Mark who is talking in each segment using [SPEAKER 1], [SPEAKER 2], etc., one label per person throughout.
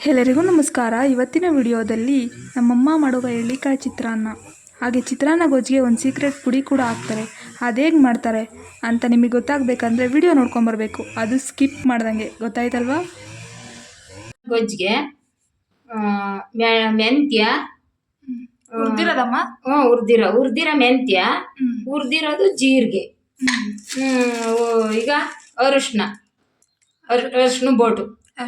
[SPEAKER 1] ಎಲ್ಲರಿಗೂ ನಮಸ್ಕಾರ. ಇವತ್ತಿನ ವಿಡಿಯೋದಲ್ಲಿ ನಮ್ಮಮ್ಮ ಮಾಡುವ ಎಳ್ಳಿಕಾಯಿ ಚಿತ್ರಾನ್ನ ಹಾಗೆ ಚಿತ್ರಾನ್ನ ಗೊಜ್ಜಿಗೆ ಒಂದು ಸೀಕ್ರೆಟ್ ಪುಡಿ ಕೂಡ ಹಾಕ್ತಾರೆ. ಅದೇಗೆ ಮಾಡ್ತಾರೆ ಅಂತ ನಿಮಗೆ ಗೊತ್ತಾಗಬೇಕಂದ್ರೆ ವಿಡಿಯೋ ನೋಡ್ಕೊಂಬರ್ಬೇಕು, ಅದು ಸ್ಕಿಪ್ ಮಾಡ್ದಂಗೆ. ಗೊತ್ತಾಯ್ತಲ್ವಾ?
[SPEAKER 2] ಗೊಜ್ಜಿಗೆ ಮೆಂತ್ಯ
[SPEAKER 1] ಹುರಿದಿರೋದಮ್ಮ,
[SPEAKER 2] ಹುರಿದಿರೋ ಮೆಂತ್ಯ, ಹುರಿದಿರೋದು ಜೀರಿಗೆ, ಈಗ ಅರಿಶಿನ ಬೋಟು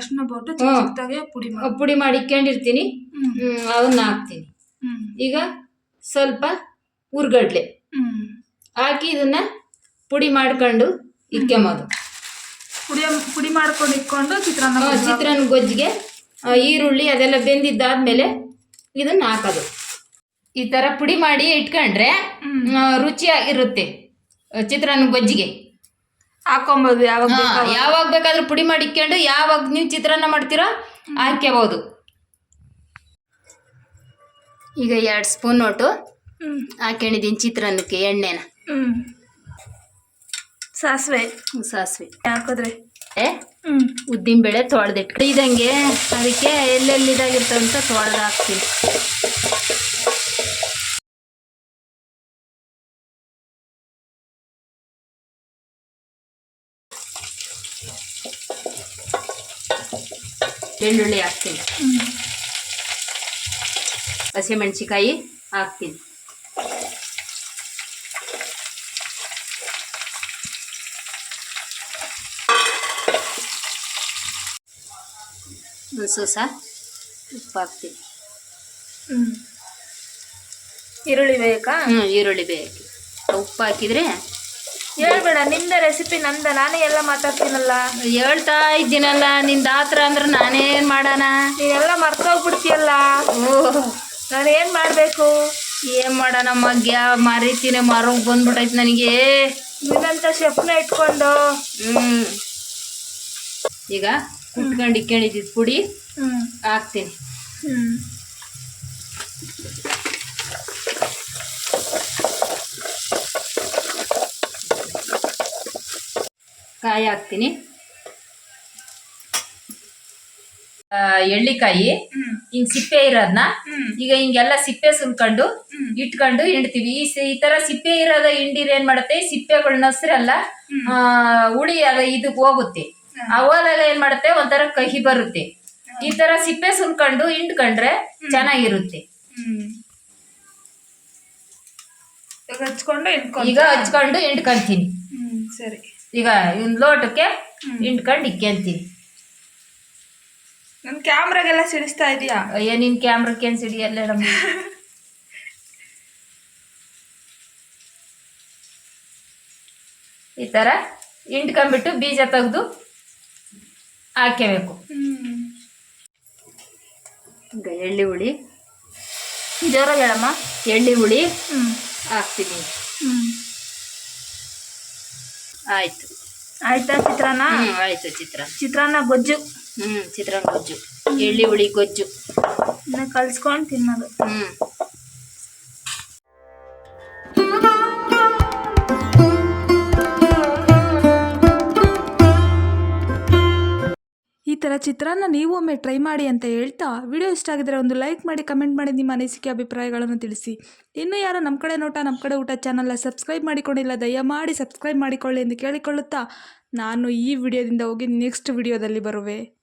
[SPEAKER 2] ಪುಡಿ ಮಾಡಿ ಇಕ್ಕೊಂಡಿರ್ತೀನಿ. ಅವನ್ನ ಹಾಕ್ತೀನಿ. ಈಗ ಸ್ವಲ್ಪ ಹುರ್ಗಡ್ಲೆ ಹಾಕಿ ಇದನ್ನ ಪುಡಿ ಮಾಡ್ಕೊಂಡು ಇಕ್ಕೊಂಬೋದು.
[SPEAKER 1] ಪುಡಿ ಮಾಡ್ಕೊಂಡು ಇಟ್ಕೊಂಡು
[SPEAKER 2] ಚಿತ್ರಾನ್ನ ಗೊಜ್ಜಿಗೆ ಈರುಳ್ಳಿ ಅದೆಲ್ಲ ಬೆಂದಿದ್ದಾದ್ಮೇಲೆ ಇದನ್ನ ಹಾಕೋದು. ಈ ತರ ಪುಡಿ ಮಾಡಿ ಇಟ್ಕೊಂಡ್ರೆ ರುಚಿಯಾಗಿರುತ್ತೆ. ಚಿತ್ರಾನ್ನ ಗೊಜ್ಜಿಗೆ
[SPEAKER 1] ಹಾಕೊಬೋದು.
[SPEAKER 2] ಯಾವಾಗ ಬೇಕಾದ್ರೂ ಪುಡಿ ಮಾಡಿ ಇಕ್ಕೊಂಡು ಯಾವಾಗ ನೀವು ಚಿತ್ರಾನ್ನ ಮಾಡ್ತೀರೋ ಹಾಕ್ಕೋಬಹುದು. ಈಗ 2 ಸ್ಪೂನ್ ಒಟ್ಟು ಹಾಕೊಂಡಿದ್ದೀನಿ ಚಿತ್ರಾನ್ನಕ್ಕೆ ಎಣ್ಣೆನ.
[SPEAKER 1] ಸಾಸಿವೆ ಹಾಕಿದ್ರೆ
[SPEAKER 2] ಉದ್ದಿನ ಬೇಳೆ ತೊಳೆದಿಟ್ಟು ಇದಂಗೆ ಅದಕ್ಕೆ ಎಲ್ಲೆಲ್ಲಿದಾಗಿರ್ತಂತ ತೊಳೆದು ಹಾಕ್ತೀನಿ. ಬೆಳ್ಳುಳ್ಳಿ ಹಾಕ್ತೀನಿ, ಹಸಿಮೆಣಸಿಕಾಯಿ ಹಾಕ್ತೀನಿ, ಒಂದು ಸೂಸ ಉಪ್ಪು ಹಾಕ್ತೀನಿ.
[SPEAKER 1] ಈರುಳ್ಳಿ ಬೇಕಾ?
[SPEAKER 2] ಈರುಳ್ಳಿ ಬೇಕು. ಉಪ್ಪು ಹಾಕಿದ್ರೆ
[SPEAKER 1] ಹೇಳ್ಬೇಡ, ನಿಂದ ರೆಸಿಪಿ ನಂದ, ನಾನೇ ಎಲ್ಲ ಮಾತಾಡ್ತೀನಲ್ಲ.
[SPEAKER 2] ಹೇಳ್ತಾ ಇದ್ದೀನಲ್ಲ, ನಿಂದ ಆತರ ಅಂದ್ರೆ ನಾನೇನ್ ಮಾಡೋಣ?
[SPEAKER 1] ನೀನೆಲ್ಲ ಮರ್ತೋಗ್ಬಿಡ್ತೀಯಲ್ಲ. ನಾನೇನ್ ಮಾಡ್ಬೇಕು?
[SPEAKER 2] ಏನ್ ಮಾಡೋಣ ಮಗ್ಯ ಮರಿತೀನಿ, ಮರೋಗ್ ಬಂದ್ಬಿಟ್ಟೈತಿ ನನಗೆ.
[SPEAKER 1] ನಿನ್ನಂತ ಶೆಫ್ನ ಇಟ್ಕೊಂಡು
[SPEAKER 2] ಈಗ ಕುಟ್ಕೊಂಡು ಇಕ್ಕೊಂಡಿದ್ದಿದ್ದು ಪುಡಿ ಹಾಕ್ತೀನಿ. ಕಾಯಿ ಹಾಕ್ತೀನಿ. ಎಳ್ಳಿಕಾಯಿ ಹಿಂಗ್ ಸಿಪ್ಪೆ ಇರೋದ್ನ ಈಗ ಹಿಂಗೆಲ್ಲ ಸಿಪ್ಪೆ ಸುಲ್ಕೊಂಡು ಇಟ್ಕೊಂಡು ಹಿಂಡ್ತೀವಿ. ಈ ತರ ಸಿಪ್ಪೆ ಇರೋದ ಹಿಂಡಿರ್ ಏನ್ ಮಾಡುತ್ತೆ, ಸಿಪ್ಪೆಗಳನ್ನ ಹಸ್ರಲ್ಲ ಹುಳಿ ಅದ ಇದಕ್ ಹೋಗುತ್ತೆ. ಹೋದಾಗ ಏನ್ ಮಾಡುತ್ತೆ, ಒಂಥರ ಕಹಿ ಬರುತ್ತೆ. ಈ ತರ ಸಿಪ್ಪೆ ಸುಲ್ಕೊಂಡು ಹಿಂಡ್ಕೊಂಡ್ರೆ ಚೆನ್ನಾಗಿರುತ್ತೆ. ಈಗ ಹಚ್ಕೊಂಡು ಹಿಂಡ್ಕೊಂತೀನಿ.
[SPEAKER 1] ಸರಿ,
[SPEAKER 2] ಈಗ ಒಂದು ಲೋಟಕ್ಕೆ ಹಿಂಡ್ಕೊಂಡು ಇಕ್ಕೊಂತೀನಿ.
[SPEAKER 1] ನನ್ ಕ್ಯಾಮ್ರಾಗೆಲ್ಲ ಸಿಡಿಸ್ತಾ ಇದೀಯಾ?
[SPEAKER 2] ಅಯ್ಯ, ನಿನ್ ಕ್ಯಾಮ್ರಕ್ಕೆ ಏನ್ ಸಿಡಿಯಲ್ಲ ನಮ್ಮ. ಈ ತರ ಹಿಂಡ್ಕೊಂಡ್ಬಿಟ್ಟು ಬೀಜ ತೆಗೆದು ಹಾಕಬೇಕು. ಈಗ ಎಳ್ಳಿ ಹುಳಿ
[SPEAKER 1] ಜೋರಾಗಿ ಹೇಳಮ್ಮ.
[SPEAKER 2] ಎಳ್ಳಿ ಹುಳಿ ಹಾಕ್ತೀನಿ.
[SPEAKER 1] ಆಯ್ತಾ ಚಿತ್ರಾನ್ನ?
[SPEAKER 2] ಆಯ್ತು.
[SPEAKER 1] ಚಿತ್ರಾನ್ನ ಗೊಜ್ಜು.
[SPEAKER 2] ಚಿತ್ರಾನ್ನ ಗೊಜ್ಜು, ಎಳ್ಳಿ ಹುಳಿ ಗೊಜ್ಜು
[SPEAKER 1] ಕಲ್ಸ್ಕೊಂಡು ತಿನ್ನೋದು. ಈ ಥರ ಚಿತ್ರಾನ್ನ ನೀವು ಒಮ್ಮೆ ಟ್ರೈ ಮಾಡಿ ಅಂತ ಹೇಳ್ತಾ, ವಿಡಿಯೋ ಇಷ್ಟ ಆಗಿದ್ರೆ ಒಂದು ಲೈಕ್ ಮಾಡಿ, ಕಮೆಂಟ್ ಮಾಡಿ, ನಿಮ್ಮ ಅನಿಸಿಕೆ ಅಭಿಪ್ರಾಯಗಳನ್ನು ತಿಳಿಸಿ. ಇನ್ನೂ ಯಾರು ನಮ್ಮ ಕಡೆ ನೋಟ ನಮ್ಮ ಕಡೆ ಊಟ ಚಾನಲ್ನ ಸಬ್ಸ್ಕ್ರೈಬ್ ಮಾಡಿಕೊಂಡಿಲ್ಲ, ದಯಮಾಡಿ ಸಬ್ಸ್ಕ್ರೈಬ್ ಮಾಡಿಕೊಳ್ಳಿ ಎಂದು ಕೇಳಿಕೊಳ್ಳುತ್ತಾ ನಾನು ಈ ವಿಡಿಯೋದಿಂದ ಹೋಗಿ ನೆಕ್ಸ್ಟ್ ವಿಡಿಯೋದಲ್ಲಿ ಬರುವೆ.